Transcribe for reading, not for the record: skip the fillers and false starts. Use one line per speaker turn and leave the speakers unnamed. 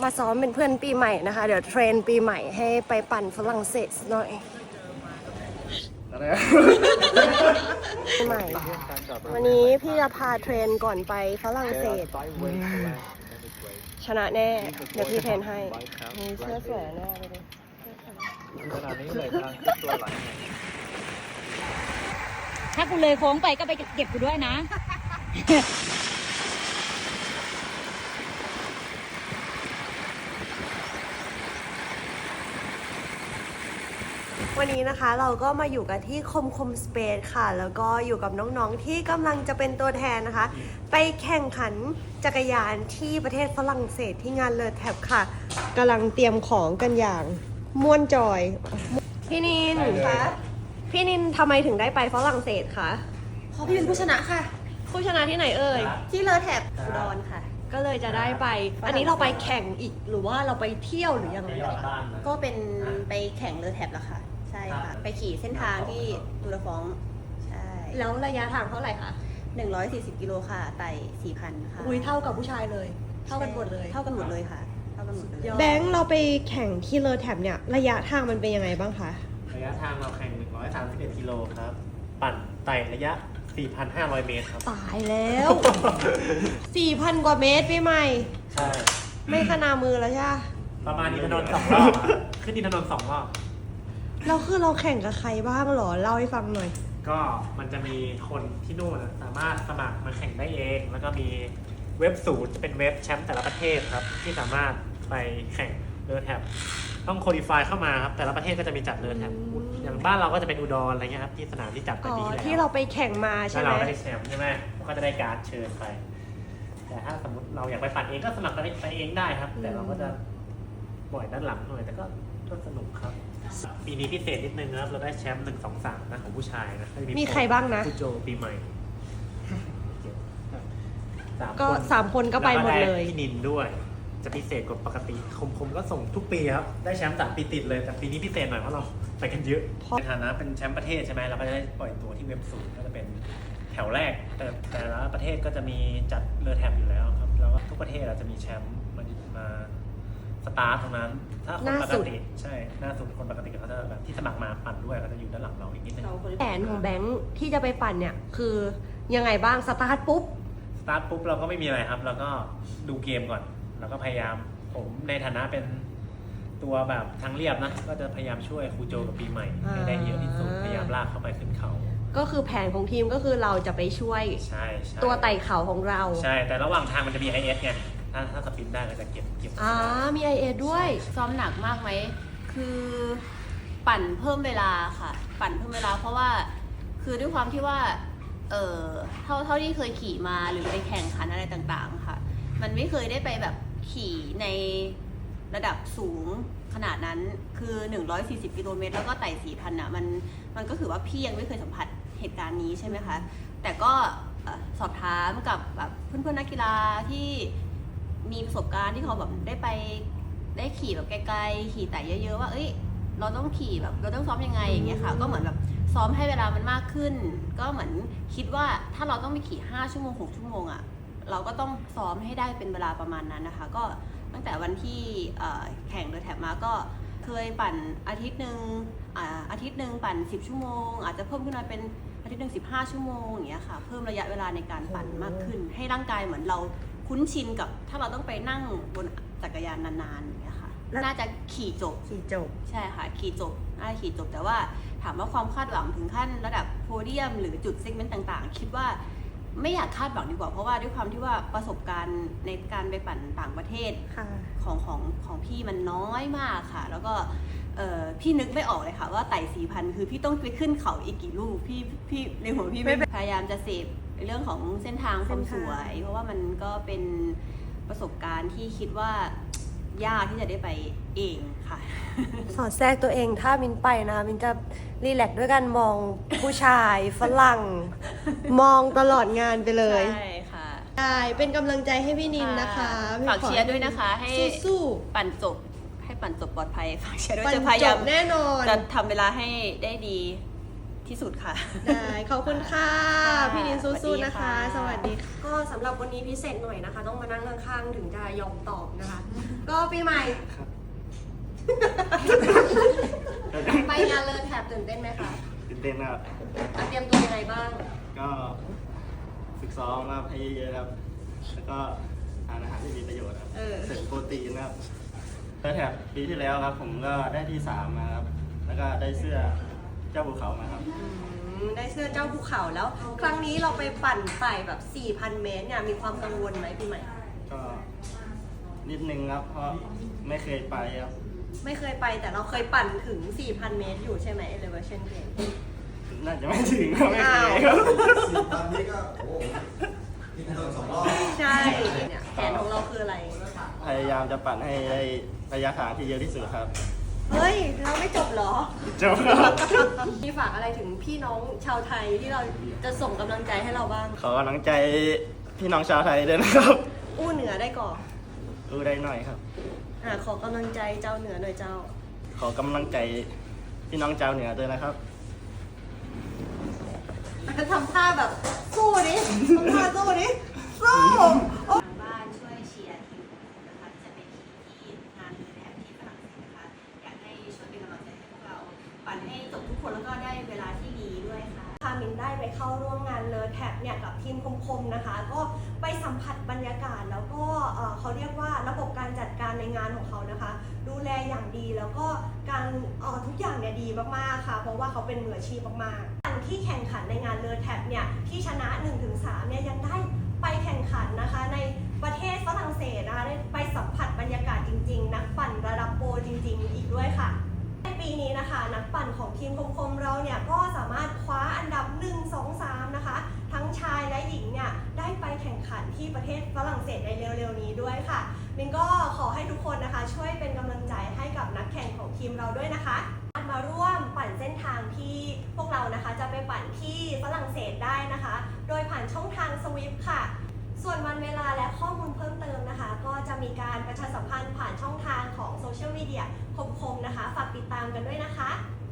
มาซ้อมเป็นเพื่อนปีใหม่นะคะเดี๋ยวเทรนปีใหม่ให้ไปปั่นฝรั่งเศสหน่อยปีใหม่วันนี้พี่จะพาเทรนก่อนไปฝรั่งเศสชนะแน่เดี๋ยวพี่เทรนให้นี่เสื้อสวยแน่ไปเลย
ขนาดนี้เลยกำลังตัวไหล
ถ้ากูเลยโค้งไปก็ไปเก็บกูด้วยนะ
วันนี้นะคะเราก็มาอยู่กันที่คมสเปซค่ะแล้วก็อยู่กับน้องๆที่กำลังจะเป็นตัวแทนนะคะไปแข่งขันจักรยานที่ประเทศฝรั่งเศสที่งานเลอแท็บค่ะกำลังเตรียมของกันอย่างม่วนจอยพี่นินคะพี่นินทำไมถึงได้ไปฝรั่งเศสคะเพราะพี่เป็นผู้ชนะค่ะผู้ชนะที่ไหนเอ่ยที่เลอแท็บอุดรค่ะก็เลยจะได้ไปอันนี้เราไปแข่งอีกหรือว่าเราไปเที่ยวหรือยังไงคะ
ก็เป็นไปแข่งเลอแท็บแล้วค่ะใช่ค่ะไปขี่เส้นทางที่ตูระฟองใช่
แล้วระยะทางเท่าไหร่คะ
140 กิโลค่ะไต่ 4,000 ค่ะ
อุ้ยเท่ากับผู้ชายเลย เท่ากันหมดเลย
เท่ากันหมดเลยค่ะเท่ากันหมดเลย
แบงค์เราไปแข่งที่เลอแท็บเนี่ยระยะทางมันเป็นยังไงบ้างคะ
ระยะทางเราแข่ง131 กิโลครับปั่นไต่ระยะ 4,500 เมตรครับ
ตายแล้ว 4,000 กว่าเมตรพี่ใหม่
ใช่
ไม่ขนามือแล้วใช่ไหม
ประมาณอินทนนท์2 รอบขึ้นอินทนนท์2 รอบ
เราคือเราแข่งกับใครบ้างหรอเล่าให้ฟังหน่อย
ก็มันจะมีคนที่นู่นสามารถสมัครมาแข่งได้เอง แล้วก็มีเว็บศูนย์จะเป็นเว็บแชมป์แต่ละประเทศครับที่สามารถไปแข่งเลอแท็บต้องโคดิฟายเข้ามาครับแต่ละประเทศก็จะมีจัดเลอแท็บอย่างบ้านเราก็จะเป็นอุดรอะไรเงี้ยครับที่สนามที่จัดไป
อ๋อ
ปีที่แล้ว
ที่เราไปแข่งมาใช่
ถ้า
ไหม
เราได้แชมป์ใช่ไหมก็จะได้การ์ดเชิญไป แต่ถ้าสมมติเราอยากไปปั่นเองก็สมัครไปเองได้ครับ แต่เราก็จะปล่อยด้านหลังหน่อยแต่ก็สนุกครับปีนี้พิเศษนิดนึงนะครับเราได้แชมป์1 2 3นะของผู้ชายนะ
มีใครบ้างนะ
คุณโจปีใหม่
ก็3 คนก็ไปหมดเลย
แวก็ไพี่นินด้วย จะพิเศษกว่าปกติคมก็ส่งทุกปีครับได้แชมป์3 ปีติดเลยแต่ปีนี้พิเศษหน่อยเพราะเราไปกันเยอะในฐานะเป็นแชมป์ประเทศใช่ไหมเราก็จะได้ปล่อยตัวที่เว็บศูนย์ก็จะเป็นแถวแรกแต่ละประเทศก็จะมีจัดเลอแท็บอยู่แล้วครับแล้วก็ทุกประเทศเราจะมีแชมป์มาสตาร์ทตรงนั้นถ้าคนปกติใช่หน้าสุดคนปกติเขาจะแบบที่สมัครมาปั่นด้วยเขาจะอยู่ด้านหลังเราอีกนิดนึง
แผนของแบงค์ที่จะไปปั่นเนี่ยคือยังไงบ้างสตาร์ทปุ๊บ
สตาร์ทปุ๊บเราก็ไม่มีอะไรครับเราก็ดูเกมก่อนแล้วก็พยายามผมในฐานะเป็นตัวแบบทางเรียบนะก็จะพยายามช่วยครูโจกับปีใหม่ให้ได้เยอะที่สุดพยายามลากเข้าไปขึ้นเขา
ก็คือแผนของทีมก็คือเราจะไปช่วย
ใช่
ตัวไต่เขาของเรา
ใช่แต่ระหว่างทางมันจะมี IS ไงถ้าสปินได้ก็จะเก็บ
มี IA ด้วย
ซ้อมหนักมากไหมคือปั่นเพิ่มเวลาค่ะปั่นเพิ่มเวลาเพราะว่าคือด้วยความที่ว่าเท่าที่เคยขี่มาหรือไปแข่งขันอะไรต่างๆค่ะมันไม่เคยได้ไปแบบขี่ในระดับสูงขนาดนั้นคือ140 กิโลเมตรแล้วก็ไต่ 4,000 น่ะมันก็คือว่าพี่ยังไม่เคยสัมผัสเหตุการณ์นี้ใช่ไหมคะแต่ก็สอบถามกับแบบเพื่อนๆนักกีฬาที่มีประสบการณ์ที่เขาแบบได้ขี่แบบไกลๆขี่ไต่เยอะๆว่าเอ้ยเราต้องขี่แบบเราต้องซ้อมยังไงอย่างเงี้ยค่ะก็เหมือนแบบซ้อมให้เวลามันมากขึ้นก็เหมือนคิดว่าถ้าเราต้องไปขี่5 ชั่วโมง 6 ชั่วโมงอ่ะเราก็ต้องซ้อมให้ได้เป็นเวลาประมาณนั้นนะคะก็ตั้งแต่วันที่แข่งเลอแท็บมาก็เคยปั่นอาทิตย์หนึ่งปั่น10 ชั่วโมงอาจจะเพิ่มขึ้นมาเป็นอาทิตย์หนึ่ง15 ชั่วโมงอย่างเงี้ยค่ะเพิ่มระยะเวลาในการปั่นมากขึ้นให้ร่างกายเหมือนเราคุ้นชินกับถ้าเราต้องไปนั่งบนจักรยานนานๆอย่างเงี้ยค่ะน่าจะขี่จบใช่ค่ะขี่จบน่าจะขี่จบแต่ว่าถามว่าความคาดหวังถึงขั้นระดับโพเดียมหรือจุดเซกเมนต์ต่างๆคิดว่าไม่อยากคาดหวังดีกว่าเพราะว่าด้วยความที่ว่าประสบการณ์ในการไปปั่นต่างประเทศของพี่มันน้อยมากค่ะแล้วก็พี่นึกไม่ออกเลยค่ะว่าไต่ 4,000 คือพี่ต้องไปขึ้นเขาอีกกี่ลูกพี่ในหัวพี่ไม่พยายามจะเสพในเรื่องของเส้นทางความสวยเพราะว่ามันก็เป็นประสบการณ์ที่คิดว่ายากที่จะได้ไปเองค่ะ
สอดแทรกตัวเองถ้ามินไปนะมินจะรีแลกซ์ด้วยการมองผู้ชายฝรั่งมองตลอดงานไปเลย
ใช่ค่ะ
ได้เป็นกำลังใจให้พี่นินนะคะ
ฝากเชียร์ด้วยนะคะให้
สู้
ปั่นจบให้ปั่นจบปลอดภัยฝากเชียร์ด้วย
ปั่น
จะพยายาม
แน่นอน
จะทำเวลาให้ได้ดีที่สุดค่ะ
ได้ขอบคุณค่ะ
ค่ะ
พี่นินสู้ๆนะคะ ส
สวั
วัส
สดี
ดี
ค่ะ
ก็สำหรับวันนี้พิเศษหน่อยนะคะ ต้องมานั่งข้างๆถึงจะยอมตอบนะคะ ก็ปีใหม่ ไปงานเลอแถบตื่นเต้นไหมคะ
ตื่นเต้นครับ
เตรียมตัวยังไงบ้าง
ก็ฝึกซ้อมครับให้เยอะๆครับ แล้วก็ทานอาหารที่มีประโยชน์ครับ
เออ
เสริมโปรตีนนะครับแล้วแถบปีที่แล้วครับ ผมก็ได้ที่ 3 มาครับ แล้วก็ได้เสื้อเจ้าภูเขามาครับ
ได้เสื้อเจ้าภูเขาแล้ว ครั้งนี้เราไปปั่นไต่แบบ 4,000 เมตรเนี่ยมีความกังวลไหมปีใหม่
ก็นิดนึงครับ เพราะไม่เคยไปครับ
ไม่เคยไปแต่เราเคยปั่นถึง 4,000 เมตรอยู่ใช่ไหม Elevation Game
น่าจะไม่ถึงครับไม่เค
อ้าวย
ครับ
ตอนนี้ก็โอ้โหกินถนน2 รอบ
ใช่เนี่ยแผนของเราคืออะไร
พยายามจะปั่นให้ได้ระยะทางที่เยอะที่สุดครับ
เฮ้ย เราไม่จบเหรอ
จบครับ
มีฝากอะไรถึงพี่น้องชาวไทยที่เราจะส่งกำลังใจให้เราบ้าง
ขอกำลังใจพี่น้องชาวไทยด้วยนะครับ
อู้เหนือได้ก่อน
รู้ได้หน่อยครับ
ขอกำลังใจเจ้าเหนือหน่อยเจ้า
ขอกำลังใจพี่น้องชาวเหนือด้วยนะครับ
ทำท่าแบบสู้ดิทำท่าสู้ดิสู้
บ้านช่วยเชียร์ทีมนะคะจะเป็นทีมที่งานเลยแถบที่ฝรั่งเศสนะคะอยากให้ช่วยเป็นกำลังใจให้พวกเราปั่นให้จบทุกคนแล้วก็ได้เวลาที่ดีด้วยค่ะ
พามินได้ไปเข้าร่วมงานเลอแท็บเนี่ยกับทีมคมๆนะคะ ก็ไปสัมผัสบรรยากาศแล้วก็เขาเรียกว่าระบบการจัดการในงานของเขานะคะ ดูแลอย่างดีแล้วก็การทุกอย่างเนี่ยดีมากๆค่ะ เพราะว่าเขาเป็นมืออาชีพมากๆที่แข่งขันในงานเลอแท็บเนี่ยที่ชนะ 1-3 เนี่ยยังได้ไปแข่งขันนะคะในประเทศฝรั่งเศสนะคะได้ไปสัมผัสบรรยากาศจริงๆนักปั่นระดับโปรจริงๆอีกด้วยค่ะ ในปีนี้นะคะนักปั่นของทีมคมๆเราเนี่ยก็สามารถคว้าอันดับ 1 2 3 นะคะ ทั้งชายและหญิงเนี่ยได้ไปแข่งขันที่ประเทศฝรั่งเศสในเร็วๆนี้ด้วยค่ะมินก็ขอให้ทุกคนนะคะช่วยเป็นกำลังใจให้กับนักแข่งของทีมเราด้วยนะคะมาร่วมปั่นเส้นทางที่พวกเรานะคะจะไปปั่นที่ฝรั่งเศสได้นะคะ โดยผ่านช่องทางสวิฟค่ะ ส่วนวันเวลาและข้อมูลเพิ่มเติมนะคะ ก็จะมีการประชาสัมพันธ์ผ่านช่องทางของโซเชียลมีเดียคมๆนะคะ ฝากติดตามกันด้วยนะคะ